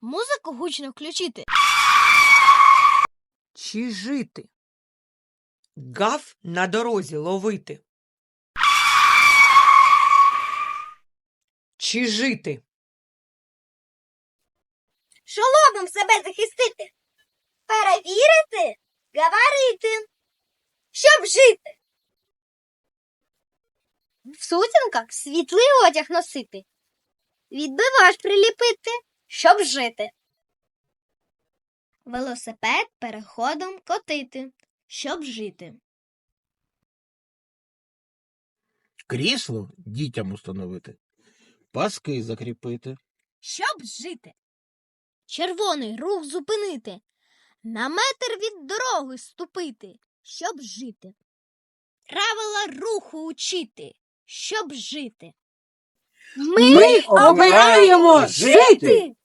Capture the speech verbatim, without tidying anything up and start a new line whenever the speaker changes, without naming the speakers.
Музику гучно включити.
Чи жити? Гав на дорозі ловити. Чи жити?
Шоломом себе захистити. Перевірити, говорити. Щоб жити. В сутінках світлий одяг носити. Відбивач приліпити, щоб жити. Велосипед переходом котити, щоб жити.
Крісло дітям установити. Паски закріпити.
Щоб жити. Червоний рух зупинити. На метр від дороги ступити. Щоб жити. Правила руху учити. Щоб жити.
Ми обираємо жити!